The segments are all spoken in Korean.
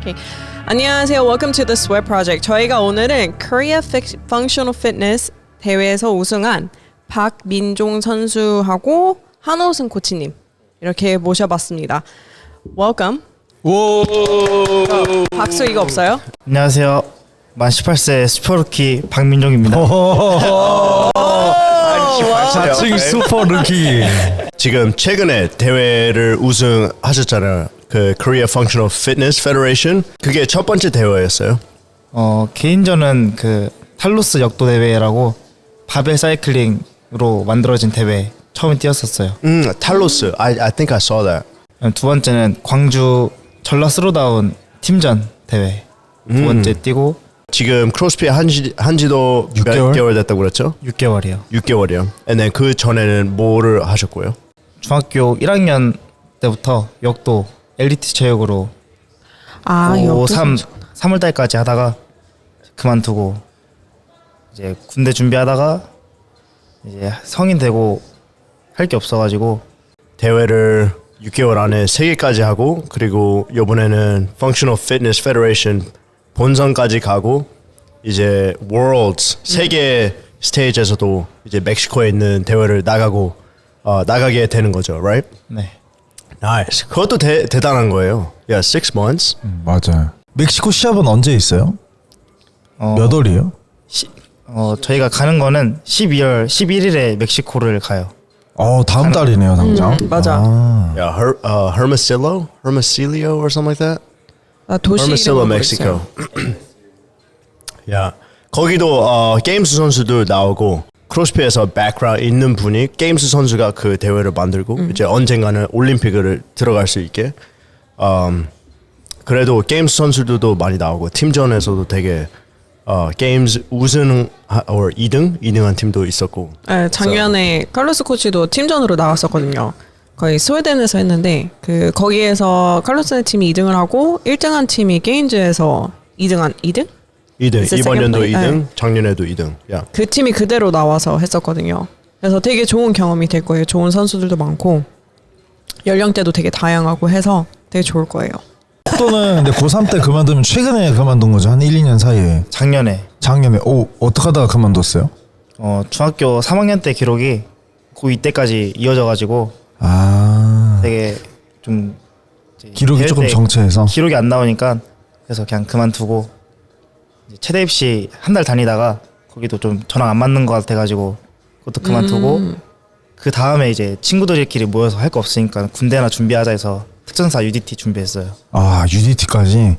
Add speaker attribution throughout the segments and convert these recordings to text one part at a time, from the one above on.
Speaker 1: Okay. 안녕하세요. Welcome to the Sweat Project. 저희가 오늘은 Korea Functional Fitness 대회에서 우승한 박민종 선수하고 한호승 코치님 이렇게 모셔봤습니다. Welcome.
Speaker 2: 오.
Speaker 1: 박수 이거 없어요?
Speaker 3: 안녕하세요. 만 18세 슈퍼루키 박민종입니다.
Speaker 2: 자칭 슈퍼 루키.
Speaker 4: 지금 최근에 대회를 우승하셨잖아요. 그 Korea Functional Fitness Federation. 그게 첫 번째 대회였어요.
Speaker 3: 개인전은 그 탈로스 역도 대회라고 바벨 사이클링으로 만들어진 대회 처음에 뛰었었어요.
Speaker 4: 탈로스. I think I saw that.
Speaker 3: 두 번째는 광주 전라 스로다운 팀전 대회 두 번째 뛰고
Speaker 4: 지금 크로스핏 한지도
Speaker 2: 6개월?
Speaker 4: 몇 개월 됐다고 그랬죠?
Speaker 3: 6개월이요.
Speaker 4: 6개월이요. And then 그 전에는 뭐를 하셨고요?
Speaker 3: 중학교 1학년 때부터 역도 엘리트 체육으로
Speaker 1: 역도
Speaker 3: 3월달까지 하다가 그만두고 이제 군대 준비하다가 이제 성인 되고 할 게 없어가지고
Speaker 4: 대회를 6개월 안에 3개까지 하고 그리고 이번에는 Functional Fitness Federation 본선까지 가고 이제 Worlds 세계 스테이지에서도 이제 멕시코에 있는 대회를 나가게 되는 거죠, right?
Speaker 3: 네.
Speaker 4: Nice. 그것도 대단한 거예요. Yeah, 6 months.
Speaker 2: 맞아요. 멕시코 시합은 언제 있어요? 몇 월이에요?
Speaker 3: 저희가 가는 거는 12월 11일에 멕시코를 가요.
Speaker 2: 다음 달이네요, 당장.
Speaker 1: 맞아.
Speaker 4: Yeah, Hermosillo or something like that.
Speaker 1: 도시
Speaker 4: Hermosillo,
Speaker 1: 이름은
Speaker 4: Mexico.
Speaker 1: 모르겠어요.
Speaker 4: Yeah. 거기도 게임스 선수도 나오고 크로스핏에서 백그라운드 있는 분이 게임스 선수가 그 대회를 만들고 이제 언젠가는 올림픽을 들어갈 수 있게. 그래도 게임스 선수들도 많이 나오고 팀전에서도 되게 게임스 우승 or 2등한 팀도 있었고.
Speaker 1: 네, 작년에 칼로스 코치도 팀전으로 나왔었거든요. 거의 스웨덴에서 했는데 거기에서 칼로스 팀이 2등을 하고 1등한 팀이 게임즈에서 2등?
Speaker 4: 2등.
Speaker 1: It's the
Speaker 4: 이번
Speaker 1: second
Speaker 4: 연도
Speaker 1: place.
Speaker 4: 2등,
Speaker 1: 네.
Speaker 4: 작년에도 2등. Yeah.
Speaker 1: 그 팀이 그대로 나와서 했었거든요. 그래서 되게 좋은 경험이 될 거예요. 좋은 선수들도 많고 연령대도 되게 다양하고 해서 되게 좋을 거예요.
Speaker 2: 또는 근데 고3 때 그만두면 최근에 그만둔 거죠? 한 1, 2년 사이에.
Speaker 3: 작년에
Speaker 2: 어떻게 하다가 그만뒀어요?
Speaker 3: 중학교 3학년 때 기록이 고2 때까지 이어져가지고 되게 좀 이제
Speaker 2: 기록이
Speaker 3: 대회
Speaker 2: 조금
Speaker 3: 때
Speaker 2: 정체해서.
Speaker 3: 기록이 안 나오니까 그래서 그냥 그만두고 이제 체대 입시 한 달 다니다가 거기도 좀 저랑 안 맞는 것 같아가지고 그것도 그만두고 그 다음에 이제 친구들끼리 모여서 할 거 없으니까 군대나 준비하자 해서 특전사 UDT 준비했어요.
Speaker 2: UDT까지.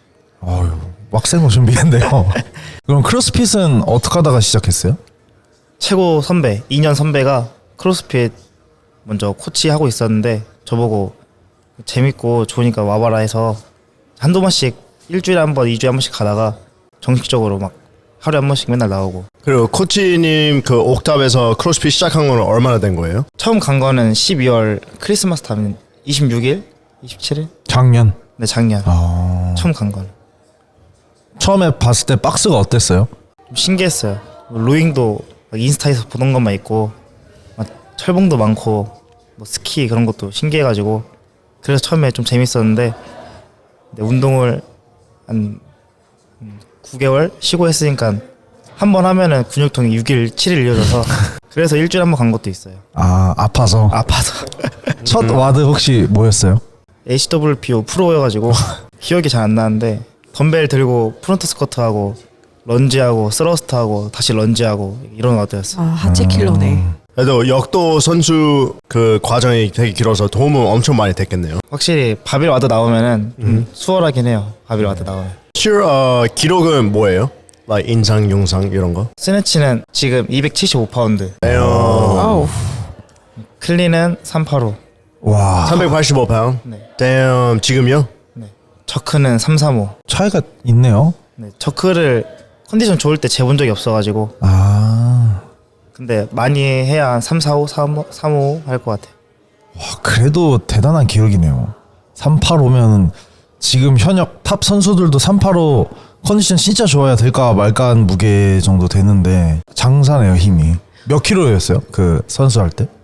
Speaker 2: 빡센 거 준비했네요. 그럼 크로스핏은 어떻게 하다가 시작했어요?
Speaker 3: 최고 선배 2년 선배가 크로스핏 먼저 코치하고 있었는데 저보고 재밌고 좋으니까 와봐라 해서 한두 번씩 일주일에 한 번, 2주에 한 번씩 가다가 정식적으로 막 하루에 한 번씩 맨날 나오고.
Speaker 4: 그리고 코치님 그 옥탑에서 크로스핏 시작한 거는 얼마나 된 거예요?
Speaker 3: 처음 간 거는 12월 크리스마스 타면 26일? 27일?
Speaker 2: 작년.
Speaker 3: 네, 작년. 처음 간 거는.
Speaker 2: 처음에 봤을 때 박스가 어땠어요?
Speaker 3: 좀 신기했어요. 로잉도 막 인스타에서 보던 것만 있고 막 철봉도 많고 뭐 스키 그런 것도 신기해가지고 그래서 처음에 좀 재밌었는데 근데 운동을 한 9개월 쉬고 했으니까 한 번 하면은 근육통이 6일, 7일 이어져서 그래서 일주일에 한 번 간 것도 있어요.
Speaker 2: 아파서. 첫 와드 혹시 뭐였어요?
Speaker 3: HWPO 프로여가지고 기억이 잘 안 나는데 덤벨 들고 프론트 스쿼트하고 런지하고 스러스트하고 다시 런지하고 이런 와드였어요.
Speaker 1: 하체 킬러네.
Speaker 4: 그래도 역도 선수 그 과정이 되게 길어서 도움은 엄청 많이 됐겠네요.
Speaker 3: 확실히 바벨 와드 나오면은 좀 수월하긴 해요. 바벨 와드 나오면.
Speaker 4: 기록은 뭐예요? like 인상, 용상 이런 거?
Speaker 3: 스네치는 지금 275파운드,
Speaker 1: 아우.
Speaker 3: 클린은 385,
Speaker 2: 와.
Speaker 4: 385파운드?
Speaker 3: 네.
Speaker 4: Damn, 지금요?
Speaker 3: 네. 저크는 335.
Speaker 2: 차이가 있네요.
Speaker 3: 네. 저크를 컨디션 좋을 때 재본 적이 없어가지고 근데 많이 해야 한 345, 35 할 것 같아요.
Speaker 2: 그래도 대단한 기록이네요. 385면 지금 현역 탑 선수들도 385 컨디션 진짜 좋아야 될까 말까 한 무게 정도 되는데 장사네요, 힘이. 몇 킬로였어요? 그 선수 할 때?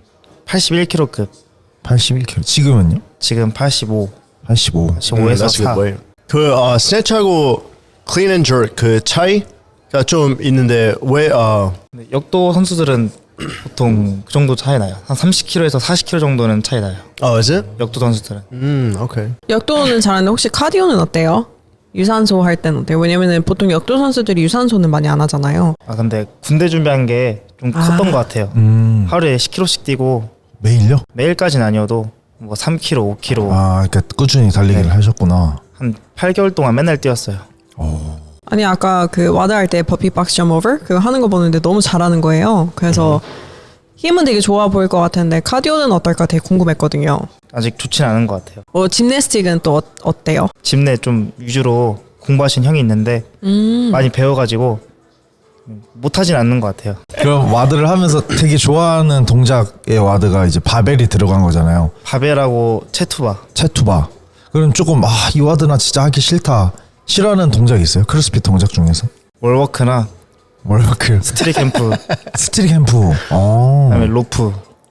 Speaker 3: 81kg급.
Speaker 2: 81kg. 지금은요?
Speaker 3: 지금 85.
Speaker 2: 85.
Speaker 3: 85에서
Speaker 4: That's a good
Speaker 3: 4.
Speaker 4: weight. 그 스네치하고 클린 앤 저크 그 차이가 좀 있는데 왜
Speaker 3: 근데 역도 선수들은 보통 그 정도 차이 나요. 한 30kg에서 40kg 정도는 차이 나요.
Speaker 4: is it?
Speaker 3: 역도 선수들은.
Speaker 4: 오케이.
Speaker 1: 역도는 잘하는데 혹시 카디오는 어때요? 유산소 할 때는 어때요? 왜냐면은 보통 역도 선수들이 유산소는 많이 안 하잖아요.
Speaker 3: 아 근데 군대 준비한 게 좀 컸던 것 같아요. 하루에 10kg씩 뛰고
Speaker 2: 매일요?
Speaker 3: 매일까지는 아니어도 뭐 3kg, 5kg
Speaker 2: 아, 그러니까 꾸준히 달리기를
Speaker 3: 네.
Speaker 2: 하셨구나.
Speaker 3: 한 8개월 동안 맨날 뛰었어요.
Speaker 1: 아니 아까 그 와드 할 때 버피 박스 점 오버 그거 하는 거 보는데 너무 잘하는 거예요. 그래서 힘은 되게 좋아 보일 것 같은데 카디오는 어떨까 되게 궁금했거든요.
Speaker 3: 아직 좋진 않은 것 같아요.
Speaker 1: 짐내스틱은 또 어때요?
Speaker 3: 집 내 좀 위주로 공부하신 형이 있는데 많이 배워가지고 못하진 않는 것 같아요.
Speaker 2: 그럼 와드를 하면서 되게 좋아하는 동작의 와드가 이제 바벨이 들어간 거잖아요.
Speaker 3: 바벨하고 체투바.
Speaker 2: 체투바. 그럼 조금 이 와드 나 진짜 하기 싫다. 싫어하는 동작 있어요? 크로스핏 동작 중에서?
Speaker 3: 월워크나
Speaker 2: 월워크,
Speaker 3: 스트릿 캠프,
Speaker 2: 스트릿 캠프,
Speaker 3: 그다음에 로프,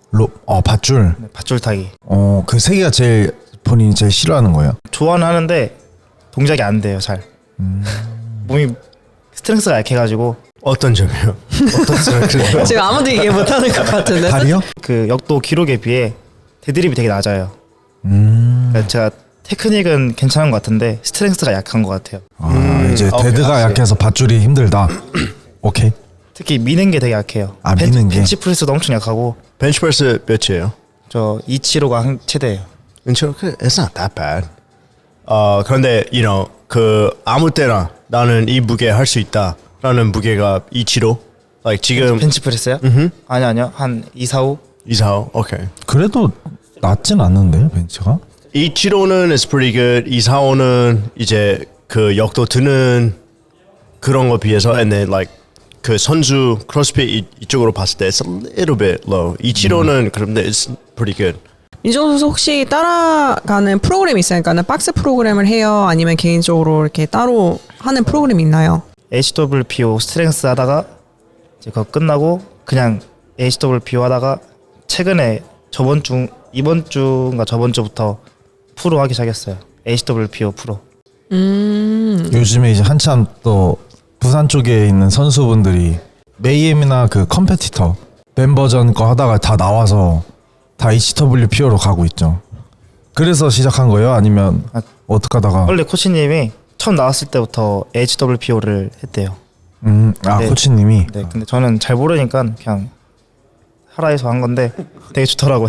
Speaker 2: 밧줄.
Speaker 3: 네, 밧줄 타기.
Speaker 2: 그 세 개가 제일 본인이 제일 싫어하는 거예요.
Speaker 3: 좋아는 하는데 동작이 안 돼요 잘. 몸이 스트렝스가 약해가지고
Speaker 4: 어떤 점이요? 어떤 점이요?
Speaker 1: 지금 아무도 얘기 못하는 것 같은데.
Speaker 2: 다리요?
Speaker 3: 그 역도 기록에 비해 데드립이 되게 낮아요. 그러니까 제가 테크닉은 괜찮은 것 같은데 스트렝스가 약한 것 같아요.
Speaker 2: 이제
Speaker 4: 오케이,
Speaker 2: 데드가
Speaker 4: 알았어요.
Speaker 2: 약해서 밧줄이 힘들다. 오케이.
Speaker 3: 특히 미는 게 되게 약해요.
Speaker 2: 미는 게?
Speaker 3: 벤치프레스도 엄청 약하고
Speaker 4: 벤치프레스 몇이에요?
Speaker 3: 저 275가 최대예요.
Speaker 4: It's not that bad. 그런데 그 아무 때나 나는 이 무게 할 수 있다라는 무게가 2kg. Like 지금
Speaker 3: 벤치프레스요? 아니요 한 245.
Speaker 4: 245. 오케이.
Speaker 2: 그래도 낮진 않는데요, 벤치가?
Speaker 4: 2kg는 is pretty good. 245는 이제 그 역도 드는 그런 거 비해서 and then like 그 선수 크로스핏 이쪽으로 봤을 때 it's a little bit low. 2kg는 그런데 it's pretty good.
Speaker 1: 민종 선수 혹시 따라가는 프로그램이 있으니까는 박스 프로그램을 해요? 아니면 개인적으로 이렇게 따로 하는 프로그램이 있나요?
Speaker 3: HWPO 스트렝스 하다가 이제 그거 끝나고 그냥 HWPO 하다가 최근에 이번 주인가 저번 주부터 프로 하기 시작했어요. HWPO 프로.
Speaker 2: 요즘에 이제 한참 또 부산 쪽에 있는 선수분들이 메이엠이나 그 컴페티터 멤버전 거 하다가 다 나와서 다 HWPO로 가고 있죠. 그래서 시작한 거예요? 아니면 어떻게 하다가?
Speaker 3: 원래 코치님이 처음 나왔을 때부터 HWPO를 했대요. 네.
Speaker 2: 코치님이.
Speaker 3: 네, 근데 저는 잘 모르니까 그냥 하라 해서 한 건데 되게 좋더라고요.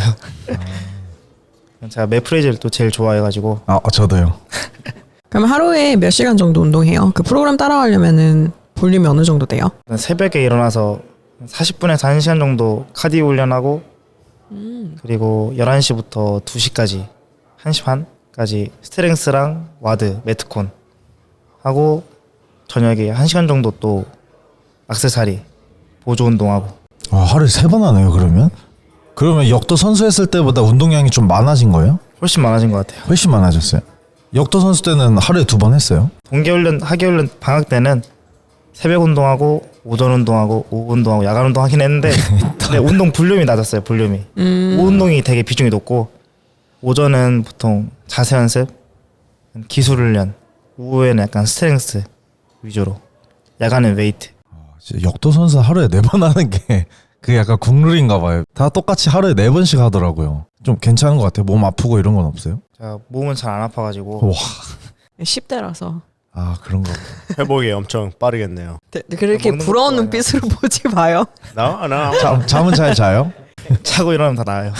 Speaker 3: 제가 매프레이즈를 또 제일 좋아해가지고
Speaker 2: 저도요.
Speaker 1: 그럼 하루에 몇 시간 정도 운동해요? 그 프로그램 따라가려면은 볼륨이 어느 정도 돼요?
Speaker 3: 새벽에 일어나서 40분에서 1시간 정도 카디오 훈련하고 그리고 11시부터 2시까지 1시 반까지 스트렝스랑 와드, 매트콘 하고 저녁에 1시간 정도 또 액세서리 보조 운동하고.
Speaker 2: 하루에 3번 하네요, 그러면? 그러면 역도 선수 했을 때보다 운동량이 좀 많아진 거예요?
Speaker 3: 훨씬 많아진 것 같아요.
Speaker 2: 훨씬 많아졌어요. 역도 선수 때는 하루에 2번 했어요?
Speaker 3: 동계훈련, 하계훈련 방학 때는 새벽 운동하고 오전 운동하고 오후 운동하고 야간 운동하긴 했는데 근데 운동 볼륨이 낮았어요. 볼륨이. 오후 운동이 되게 비중이 높고 오전은 보통 자세 연습, 기술 훈련, 오후에는 약간 스트렝스 위주로, 야간은 웨이트.
Speaker 2: 진짜 역도 선수 하루에 4번 하는 게 그게 약간 국룰인가 봐요. 다 똑같이 하루에 4번씩 하더라고요. 좀 괜찮은 것 같아요. 몸 아프고 이런 건 없어요?
Speaker 3: 제가 몸은 잘 안 아파가지고
Speaker 2: 와,
Speaker 1: 10대라서
Speaker 2: 그런가 보다.
Speaker 4: 회복이 엄청 빠르겠네요.
Speaker 1: 그렇게
Speaker 3: 먹는
Speaker 1: 부러운
Speaker 3: 것도
Speaker 1: 눈빛으로 보지 마요.
Speaker 4: No.
Speaker 2: 잠은 잘 자요?
Speaker 3: 자고 일어나면 다 나아요.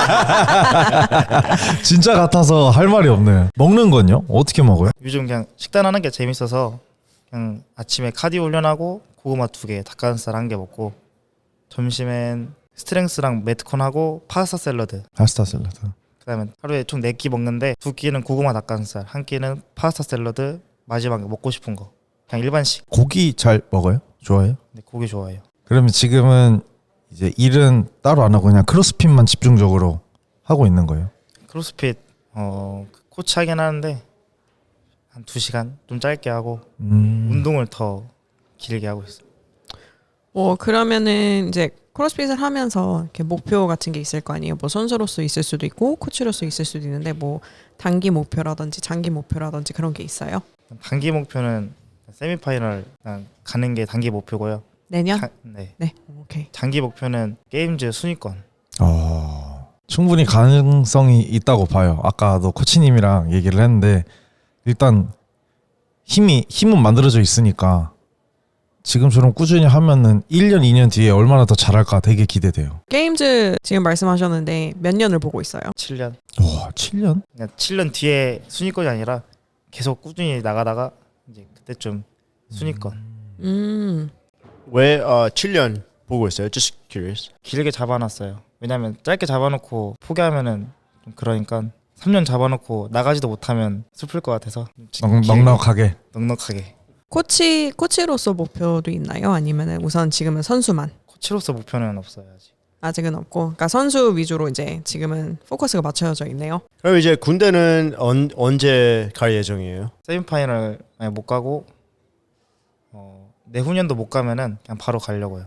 Speaker 2: 진짜 같아서 할 말이 없네. 먹는 건요? 어떻게 먹어요?
Speaker 3: 요즘 그냥 식단하는 게 재밌어서 그냥 아침에 카디오 훈련하고 고구마 2개, 닭가슴살 1개 먹고 점심엔 스트렝스랑 매트콘하고 파스타 샐러드.
Speaker 2: 파스타 샐러드.
Speaker 3: 그다음에 하루에 총 4끼 먹는데 2끼는 고구마 닭가슴살, 1끼는 파스타 샐러드, 마지막에 먹고 싶은 거 그냥 일반식.
Speaker 2: 고기 잘 먹어요? 좋아해요?
Speaker 3: 근데 고기 좋아해요.
Speaker 2: 그러면 지금은 이제 일은 따로 안 하고 그냥 크로스핏만 집중적으로 하고 있는 거예요?
Speaker 3: 크로스핏 코치 하긴 하는데 한 2시간 좀 짧게 하고 운동을 더 길게 하고 있어요.
Speaker 1: 그러면은 이제 크로스핏을 하면서 이렇게 목표 같은 게 있을 거 아니에요. 뭐 선수로서 있을 수도 있고 코치로서 있을 수도 있는데 뭐 단기 목표라든지 장기 목표라든지 그런 게 있어요.
Speaker 3: 단기 목표는 세미파이널 그냥 가는 게 단기 목표고요.
Speaker 1: 내년?
Speaker 3: 네.
Speaker 1: 네. 오케이.
Speaker 3: 장기 목표는 게임즈 순위권.
Speaker 2: 충분히 가능성이 있다고 봐요. 아까도 코치님이랑 얘기를 했는데 일단 힘은 만들어져 있으니까 지금처럼 꾸준히 하면은 1년, 2년 뒤에 얼마나 더 잘할까 되게 기대돼요.
Speaker 1: 게임즈 지금 말씀하셨는데 몇 년을 보고 있어요?
Speaker 3: 7년.
Speaker 2: 와, 7년?
Speaker 3: 그냥 7년 뒤에 순위권이 아니라 계속 꾸준히 나가다가 이제 그때쯤 순위권.
Speaker 4: 왜 7년 보고 있어요? Just curious.
Speaker 3: 길게 잡아놨어요. 왜냐면 짧게 잡아놓고 포기하면은 좀 그러니까 3년 잡아놓고 나가지도 못하면 슬플 것 같아서
Speaker 2: 넉넉하게.
Speaker 3: 넉넉하게.
Speaker 1: 코치로서 목표도 있나요? 아니면 우선 지금은 선수만?
Speaker 3: 코치로서 목표는 없어요 아직.
Speaker 1: 아직은 없고, 그러니까 선수 위주로 이제 지금은 포커스가 맞춰져 있네요.
Speaker 4: 그럼 이제 군대는 언제 갈 예정이에요?
Speaker 3: 세미파이널 만약 못 가고 내후년도 못 가면은 그냥 바로 가려고요.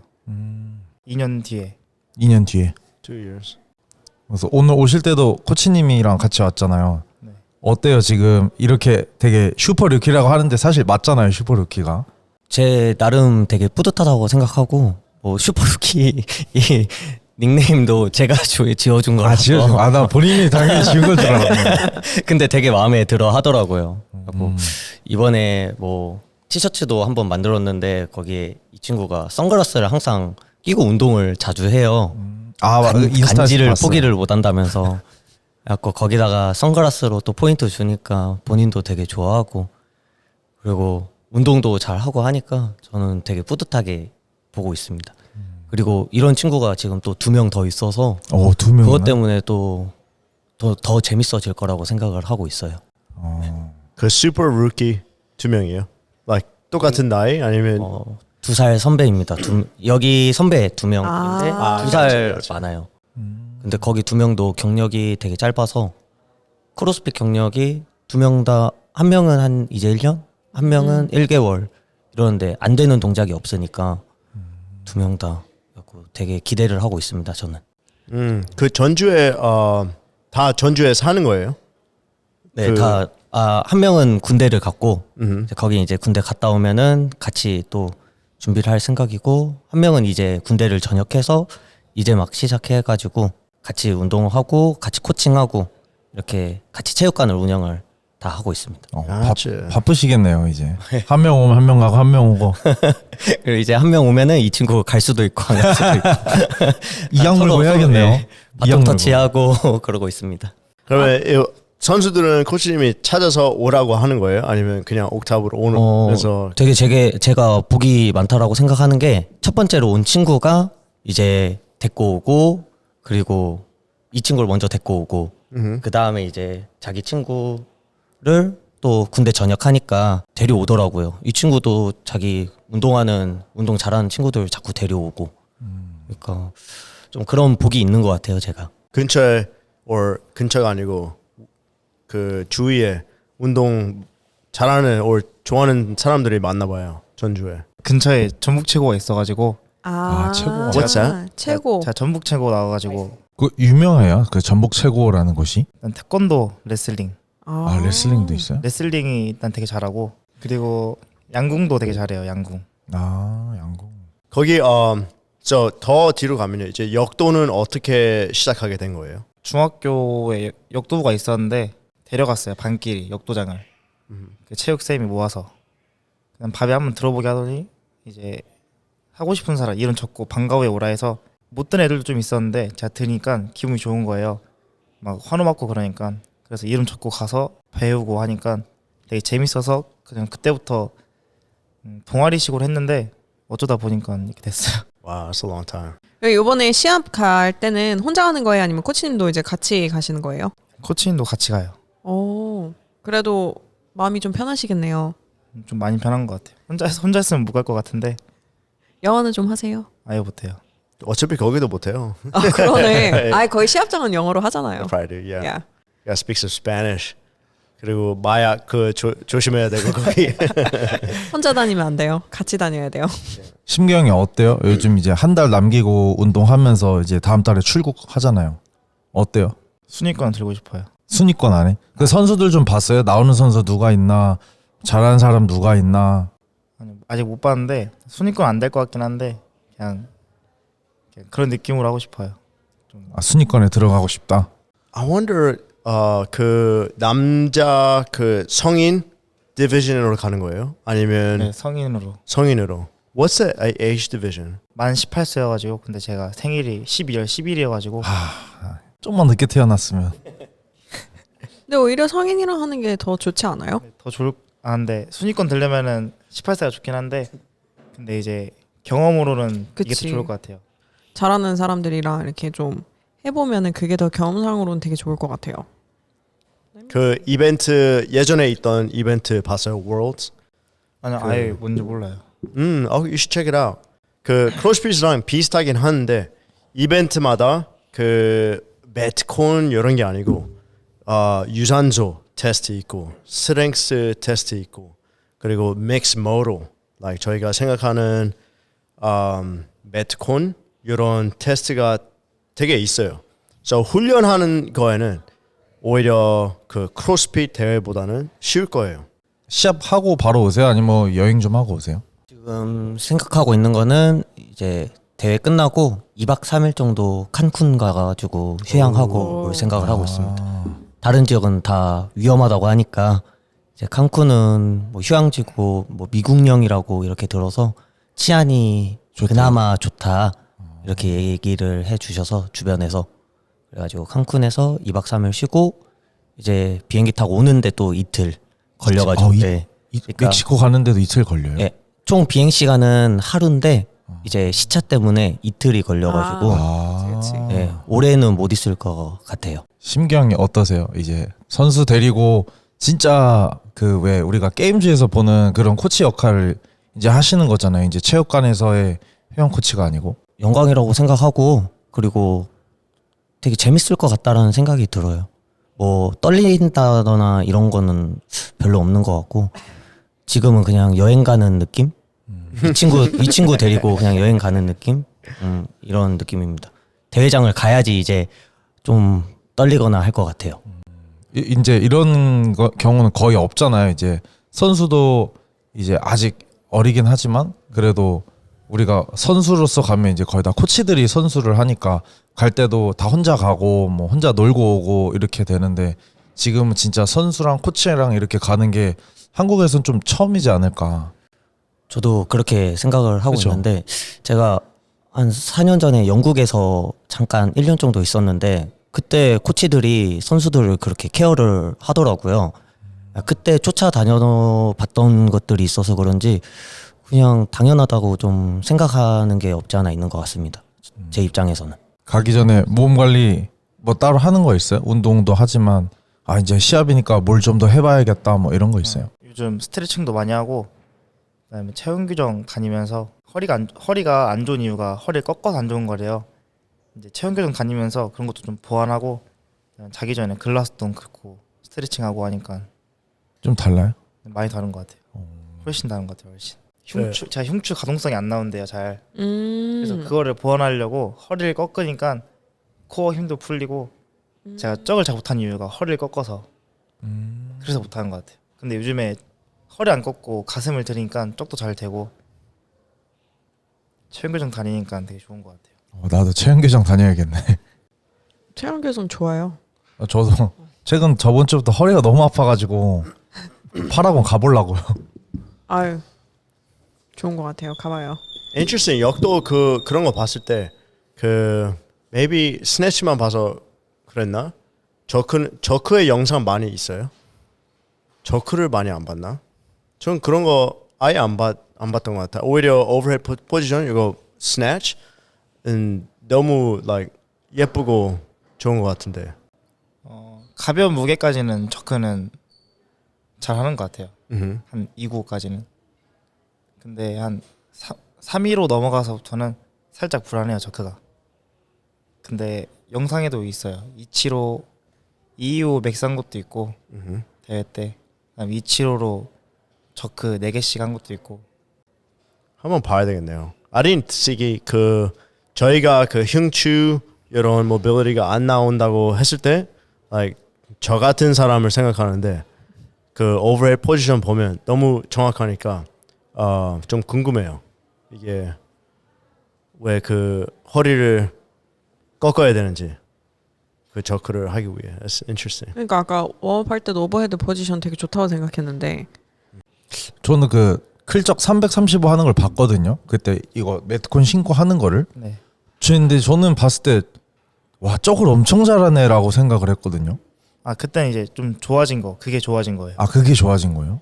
Speaker 3: 2년 뒤에.
Speaker 2: 2년 뒤에.
Speaker 4: 2 years.
Speaker 2: 그래서 오늘 오실 때도 코치님이랑 같이 왔잖아요.
Speaker 3: 네.
Speaker 2: 어때요 지금 이렇게 되게 슈퍼 루키라고 하는데 사실 맞잖아요 슈퍼 루키가.
Speaker 5: 제 나름 되게 뿌듯하다고 생각하고 뭐 슈퍼루키 이 닉네임도 제가 지어준 거라서
Speaker 2: 나 본인이 당연히 지은 걸 줄 알았네.
Speaker 5: 근데 되게 마음에 들어 하더라고요. 그리고 이번에 뭐 티셔츠도 한번 만들었는데 거기에 이 친구가 선글라스를 항상 끼고 운동을 자주 해요. 간지를
Speaker 2: 봤어요.
Speaker 5: 포기를 못 한다면서 약간 거기다가 선글라스로 또 포인트 주니까 본인도 되게 좋아하고 그리고 운동도 잘 하고 하니까 저는 되게 뿌듯하게 보고 있습니다. 그리고 이런 친구가 지금 또 2명 더 있어서
Speaker 2: 2명.
Speaker 5: 그것 때문에 또 더 재밌어질 거라고 생각을 하고 있어요.
Speaker 4: 그 슈퍼 루키 2명이에요? Like 똑같은 나이 아니면
Speaker 5: 2살 선배입니다. 여기 선배 2명인데
Speaker 1: 아.
Speaker 5: 2살
Speaker 4: 그렇지.
Speaker 5: 많아요. 근데 거기 2명도 경력이 되게 짧아서 크로스핏 경력이 2명 다 한 명은 한 이제 1년, 한 명은 1개월 이러는데 안 되는 동작이 없으니까 2명 다 되게 기대를 하고 있습니다. 저는.
Speaker 4: 그 전주에 다 전주에 사는 거예요?
Speaker 5: 네, 한 명은 군대를 갔고
Speaker 4: 음.
Speaker 5: 이제 거기 이제 군대 갔다 오면은 같이 또 준비를 할 생각이고 한 명은 이제 군대를 전역해서 이제 막 시작해가지고 같이 운동하고 같이 코칭하고 이렇게 같이 체육관을 운영을 다 하고 있습니다.
Speaker 2: 바쁘시겠네요 이제. 한 명 오면 한 명 가고 한 명 오고.
Speaker 5: 그리고 이제 한 명 오면은 이 친구 갈 수도 있고 안 갈 수도 있고
Speaker 2: 이양 물고 해야겠네요.
Speaker 5: 네, 바톤 터치하고 그러고 있습니다.
Speaker 4: 그러면 이 선수들은 코치님이 찾아서 오라고 하는 거예요? 아니면 그냥 옥탑으로 오면서
Speaker 5: 되게 제가 복이 많다라고 생각하는 게 첫 번째로 온 친구가 이제 데리고 오고 그리고 이 친구를 먼저 데리고 오고 그 다음에 이제 자기 친구를 또 군대 전역하니까 데려오더라고요. 이 친구도 자기 운동 잘하는 친구들 자꾸 데려오고 그러니까 좀 그런 복이 있는 것 같아요. 제가
Speaker 4: 근처에 근처가 아니고 그 주위에 운동 잘하는 좋아하는 사람들이 많나 봐요. 전주에.
Speaker 3: 근처에 전북 최고가 있어가지고
Speaker 2: 최고.
Speaker 4: What's that?
Speaker 1: 최고.
Speaker 3: 제가 전북 최고 나와가지고
Speaker 2: 그 유명해요. 그 전북 최고라는 곳이.
Speaker 3: 일단 태권도, 레슬링.
Speaker 2: 레슬링도 있어요?
Speaker 3: 레슬링이 일단 되게 잘하고 그리고 양궁도 되게 잘해요. 양궁.
Speaker 2: 양궁.
Speaker 4: 거기 더 뒤로 가면요. 이제 역도는 어떻게 시작하게 된 거예요?
Speaker 3: 중학교에 역도부가 있었는데 데려갔어요. 반끼리 역도장을. 그 체육쌤이 모아서 그냥 밥에 한번 들어보게 하더니 이제 하고 싶은 사람 이름 적고 방과 후에 오라 해서 못 든 애들도 좀 있었는데 제가 드니까 기분이 좋은 거예요. 막 환호 받고 그러니까 그래서 이름 적고 가서 배우고 하니까 되게 재밌어서 그냥 그때부터 동아리식으로 했는데 어쩌다 보니까 이렇게 됐어요.
Speaker 4: Wow, that's a long time.
Speaker 1: 이번에 시합 갈 때는 혼자 가는 거예요? 아니면 코치님도 이제 같이 가시는 거예요?
Speaker 3: 코치님도 같이 가요.
Speaker 1: 오, 그래도 마음이 좀 편하시겠네요.
Speaker 3: 좀 많이 편한 것 같아요. 혼자 했으면 못 갈 것 같은데
Speaker 1: 영어는 좀 하세요?
Speaker 3: 아예 못해요.
Speaker 4: 어차피 거기도 못해요.
Speaker 1: 아, 그러네. 아, 거의 시합장은 영어로 하잖아요.
Speaker 4: Friday, yeah.
Speaker 1: Yeah.
Speaker 4: Gotta speak some Spanish. 그리고 마약 조심해야 되고 거기.
Speaker 1: 혼자 다니면 안 돼요. 같이 다녀야 돼요.
Speaker 2: 심경이 어때요? 요즘 이제 한 달 남기고 운동하면서 이제 다음 달에 출국하잖아요. 어때요?
Speaker 3: 순위권 들고 싶어요.
Speaker 2: 순위권 안에? 그 선수들 좀 봤어요? 나오는 선수 누가 있나? 잘하는 사람 누가 있나?
Speaker 3: 아니, 아직 못 봤는데 순위권 안 될 것 같긴 한데 그냥 그런 느낌으로 하고 싶어요.
Speaker 2: 아, 순위권에 들어가고 싶다.
Speaker 4: I wonder 그 남자 그 성인 디비전으로 가는 거예요? 아니면
Speaker 3: 네, 성인으로.
Speaker 4: 성인으로? What's the age division?
Speaker 3: 만 18세여가지고 근데 제가 생일이 12월 10일이어가지고
Speaker 2: 좀만 늦게 태어났으면.
Speaker 1: 근데 오히려 성인이랑 하는 게 더 좋지 않아요?
Speaker 3: 더 좋을 근데 순위권 들려면은 18세가 좋긴 한데 근데 이제 경험으로는 이게
Speaker 1: 그치.
Speaker 3: 더 좋을 것 같아요.
Speaker 1: 잘하는 사람들이랑 이렇게 좀 해보면은 그게 더 경험상으로는 되게 좋을 것 같아요.
Speaker 4: 그 이벤트 예전에 있던 이벤트 봤어요? Worlds?
Speaker 3: 아니 아예 뭔지 몰라요.
Speaker 4: You should check it out. 그 크로스핏이랑 비슷하긴 한데 이벤트마다 그 매트콘 이런 게 아니고 유산소 테스트 있고 스트렝스 테스트 있고 그리고 믹스 모로 like 저희가 생각하는 매트콘 이런 테스트가 되게 있어요. So 훈련하는 거에는 오히려 그 크로스핏 대회보다는 쉬울 거예요.
Speaker 2: 시합하고 바로 오세요? 아니면 뭐 여행 좀 하고 오세요?
Speaker 5: 지금 생각하고 있는 거는 이제 대회 끝나고 2박 3일 정도 칸쿤 가가지고 휴양하고 올 생각을 하고 있습니다. 다른 지역은 다 위험하다고 하니까 이제 칸쿤은 뭐 휴양지고 뭐 미국령이라고 이렇게 들어서 치안이 그나마 좋다 이렇게 얘기를 해주셔서 주변에서 그래가지고 칸쿤에서 2박 3일 쉬고 이제 비행기 타고 오는데 또 이틀 걸려가지고 네. 그러니까
Speaker 2: 멕시코 가는데도 이틀 걸려요?
Speaker 5: 예, 총 비행 시간은 하루인데 이제 시차 때문에 이틀이 걸려가지고
Speaker 1: 그치.
Speaker 5: 예, 올해는 못 있을 것 같아요.
Speaker 2: 심경이 어떠세요? 이제 선수 데리고 진짜 그 왜 우리가 게임즈에서 보는 그런 코치 역할을 이제 하시는 거잖아요. 이제 체육관에서의 회원 코치가 아니고.
Speaker 5: 영광이라고 생각하고 그리고 되게 재밌을 것 같다라는 생각이 들어요. 뭐 떨린다거나 이런 거는 별로 없는 것 같고 지금은 그냥 여행 가는 느낌? 이 친구 데리고 그냥 여행 가는 느낌? 이런 느낌입니다. 대회장을 가야지 이제 좀 떨리거나 할 것 같아요.
Speaker 2: 이제 이런 경우는 거의 없잖아요. 이제 선수도 이제 아직 어리긴 하지만 그래도 우리가 선수로서 가면 이제 거의 다 코치들이 선수를 하니까 갈 때도 다 혼자 가고 뭐 혼자 놀고 오고 이렇게 되는데 지금은 진짜 선수랑 코치랑 이렇게 가는 게 한국에서는 좀 처음이지 않을까.
Speaker 5: 저도 그렇게 생각을 하고
Speaker 2: 그쵸?
Speaker 5: 있는데 제가 한 4년 전에 영국에서 잠깐 1년 정도 있었는데 그때 코치들이 선수들을 그렇게 케어를 하더라고요. 그때 쫓아다녀봤던 것들이 있어서 그런지 그냥 당연하다고 좀 생각하는 게 없지 않아 있는 것 같습니다. 제 입장에서는.
Speaker 2: 가기 전에 몸 관리 뭐 따로 하는 거 있어요? 운동도 하지만 아 이제 시합이니까 뭘 좀 더 해봐야겠다 뭐 이런 거 있어요?
Speaker 3: 요즘 스트레칭도 많이 하고 그다음에 체형 규정 다니면서 허리가 안 좋은 이유가 허리를 꺾어서 안 좋은 거래요. 이제 체형 규정 다니면서 그런 것도 좀 보완하고 자기 전에 글라스돈 긋고 스트레칭하고 하니까
Speaker 2: 좀 달라요?
Speaker 3: 많이 다른 것 같아요. 훨씬 다른 것 같아요. 훨씬.
Speaker 4: 네.
Speaker 3: 제가 흉추 가동성이 안 나온대요 잘. 그래서
Speaker 1: 음.
Speaker 3: 그거를 보완하려고 허리를 꺾으니까 코어 힘도 풀리고 제가 쩍을 잘 못한 이유가 허리를 꺾어서 그래서 못하는 것 같아요. 근데 요즘에 허리 안 꺾고 가슴을 들이니까 쩍도 잘 되고 체형교정 다니니까 되게 좋은 것 같아요.
Speaker 2: 나도 체형교정 다녀야겠네.
Speaker 1: 체형 개선 좋아요.
Speaker 2: 저도 최근 저번 주부터 허리가 너무 아파가지고 팔학원 가보려고요.
Speaker 1: 아유, 좋은 것 같아요. 가봐요.
Speaker 4: Interesting. 역도 그런 거 봤을 때 그 maybe 스네치만 봐서 그랬나? 저크의 영상 많이 있어요? 저크를 많이 안 봤나? 전 그런 거 아예 안 봤던 것 같아. 오히려 오버헤드 포지션 이거 스네치는 너무 like 예쁘고 좋은 것 같은데.
Speaker 3: 가벼운 무게까지는 저크는 잘 하는 것 같아요.
Speaker 4: 음.
Speaker 3: 한 295까지는. 근데 한 315 넘어가서부터는 살짝 불안해요 저크가. 근데 영상에도 있어요. 275, 225 맥스한 것도 있고 대회 때. 그다음 275로 저크 4개씩 한 것도 있고.
Speaker 4: 한번 봐야 되겠네요. I didn't see 그 저희가 그 흉추 이런 모빌리티가 안 나온다고 했을 때 like 저 같은 사람을 생각하는데 그 오버헤드 포지션 보면 너무 정확하니까 좀 궁금해요. 이게 왜 그 허리를 꺾어야 되는지 그 저크를 하기 위해. That's interesting.
Speaker 1: 그러니까 아까 워업 할 때도 오버헤드 포지션 되게 좋다고 생각했는데
Speaker 2: 저는 그 클적 335 하는 걸 봤거든요. 그때 이거 매트콘 신고 하는 거를.
Speaker 3: 네.
Speaker 2: 근데 저는 봤을 때 와, 저걸 엄청 잘하네라고 생각을 했거든요.
Speaker 3: 아 그때는 이제 좀 좋아진 거, 그게 좋아진 거예요.
Speaker 2: 아, 그게 좋아진 거예요?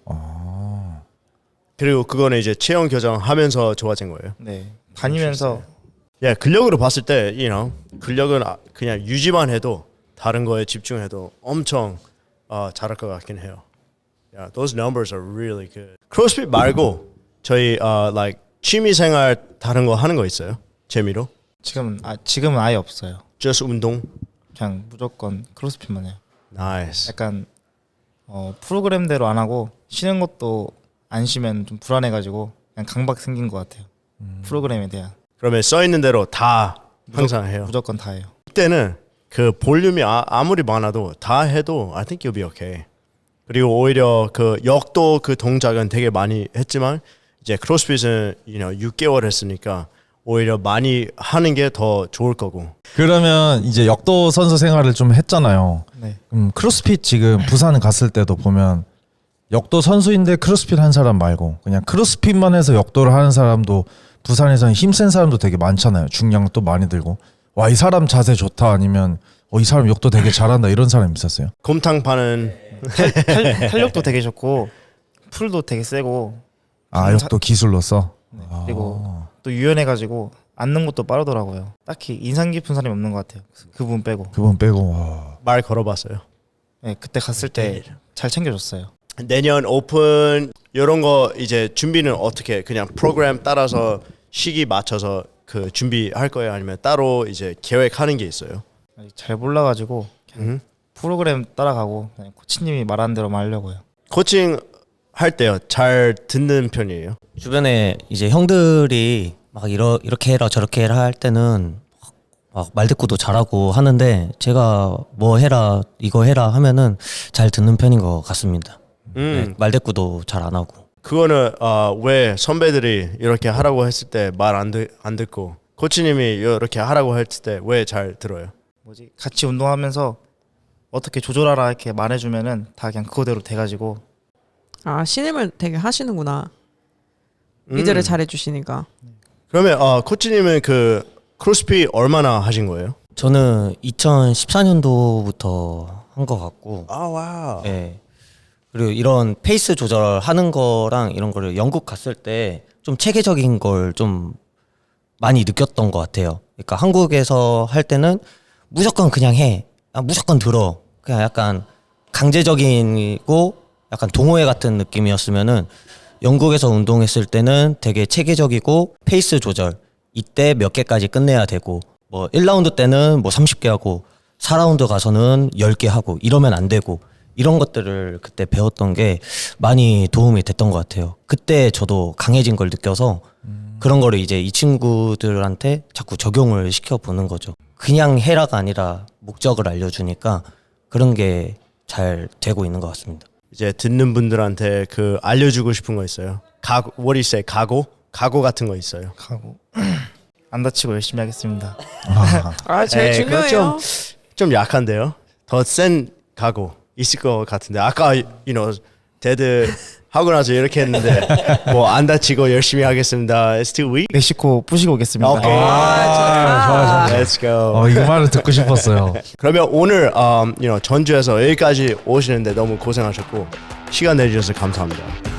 Speaker 4: 그리고 그거는 이제 체형 교정하면서 좋아진 거예요.
Speaker 3: 네. 다니면서
Speaker 4: 야, 근력으로 봤을 때, you know, 근력은 그냥 유지만 해도 다른 거에 집중해도 엄청 잘할 것 같긴 해요. Yeah, those numbers are really good. 크로스핏 말고 저희 like 취미생활 다른 거 하는 거 있어요? 재미로?
Speaker 3: 지금은 아예 없어요.
Speaker 4: just 운동?
Speaker 3: 그냥 무조건 크로스핏만 해요.
Speaker 4: Nice.
Speaker 3: 약간 프로그램대로 안 하고 쉬는 것도 안 쉬면 좀 불안해가지고 그냥 강박 생긴 것 같아요. 프로그램에 대한
Speaker 4: 그러면 써 있는 대로 다 항상 해요.
Speaker 3: 무조건 다 해요.
Speaker 4: 이때는 그 볼륨이 아무리 많아도 다 해도 I think you'll be okay. 그리고 오히려 그 역도 그 동작은 되게 많이 했지만 이제 크로스핏은 you know, 6개월 했으니까 오히려 많이 하는 게 더 좋을 거고.
Speaker 2: 그러면 이제 역도 선수 생활을 좀 했잖아요.
Speaker 3: 네.
Speaker 2: 크로스핏 지금 부산 갔을 때도 보면 역도 선수인데 크로스핏 한 사람 말고 그냥 크로스핏만 해서 역도를 하는 사람도 부산에서는 힘센 사람도 되게 많잖아요. 중량도 많이 들고 와, 이 사람 자세 좋다 아니면 이 사람 역도 되게 잘한다 이런 사람 있었어요?
Speaker 4: 곰탕 파는
Speaker 3: 탄력도 되게 좋고 풀도 되게 세고
Speaker 2: 아, 역도 기술로서?
Speaker 3: 네. 그리고 또 유연해가지고 앉는 것도 빠르더라고요. 딱히 인상 깊은 사람이 없는 것 같아요. 그분 빼고.
Speaker 2: 그분 빼고 와.
Speaker 4: 말 걸어봤어요.
Speaker 3: 네, 그때 갔을 때 잘 챙겨줬어요.
Speaker 4: 내년 오픈 이런 거 이제 준비는 어떻게 그냥 프로그램 따라서 시기 맞춰서 그 준비할 거예요? 아니면 따로 이제 계획하는 게 있어요?
Speaker 3: 아직 잘 몰라가지고 그냥 프로그램 따라가고 그냥 코치님이 말하는 대로만 하려고요.
Speaker 4: 코칭 할 때요 잘 듣는 편이에요?
Speaker 5: 주변에 이제 형들이 막 이렇게 해라 저렇게 해라 할 때는 막 말대꾸도 잘하고 하는데 제가 뭐 해라 이거 해라 하면은 잘 듣는 편인 것 같습니다. 네, 말대꾸도 잘 안 하고.
Speaker 4: 그거는 왜 선배들이 이렇게 하라고 했을 때 말 안 듣고 코치님이 이렇게 하라고 했을 때 왜 잘 들어요?
Speaker 3: 같이 운동하면서 어떻게 조절하라 이렇게 말해주면은 다 그냥 그거대로 돼가지고.
Speaker 1: 아, 신임을 되게 하시는구나. 리드를 잘해주시니까.
Speaker 4: 그러면 코치님은 그 크로스핏 얼마나 하신 거예요?
Speaker 5: 저는 2014년도부터 한 것 같고.
Speaker 4: 아 와우.
Speaker 5: 네. 그리고 이런 페이스 조절하는 거랑 이런 거를 영국 갔을 때 좀 체계적인 걸 좀 많이 느꼈던 것 같아요. 그러니까 한국에서 할 때는 무조건 그냥 해, 무조건 들어, 그냥 약간 강제적이고 약간 동호회 같은 느낌이었으면은 영국에서 운동했을 때는 되게 체계적이고 페이스 조절, 이때 몇 개까지 끝내야 되고 뭐 1라운드 때는 뭐 30개 하고 4라운드 가서는 10개 하고 이러면 안 되고 이런 것들을 그때 배웠던 게 많이 도움이 됐던 것 같아요. 그때 저도 강해진 걸 느껴서 그런 거를 이제 이 친구들한테 자꾸 적용을 시켜보는 거죠. 그냥 해라가 아니라 목적을 알려주니까 그런 게 잘 되고 있는 것 같습니다.
Speaker 4: 이제 듣는 분들한테 그 알려주고 싶은 거 있어요? 각오, what do you say? 각오 같은 거 있어요?
Speaker 3: 하고 안 다치고 열심히 하겠습니다.
Speaker 1: 아, 제일
Speaker 4: 에이, 그거
Speaker 1: 중요해요.
Speaker 4: 좀 약한데요? 더 센 각오 있을 것 같은데 아까 you know 데드 하고 나서 이렇게 했는데 뭐 안 다치고 열심히 하겠습니다. It's too weak.
Speaker 3: 멕시코 부시고 오겠습니다.
Speaker 4: 오케이.
Speaker 2: 좋아.
Speaker 4: Let's go.
Speaker 2: 이 말을 듣고 싶었어요.
Speaker 4: 그러면 오늘 you know 전주에서 여기까지 오시는데 너무 고생하셨고 시간 내주셔서 감사합니다.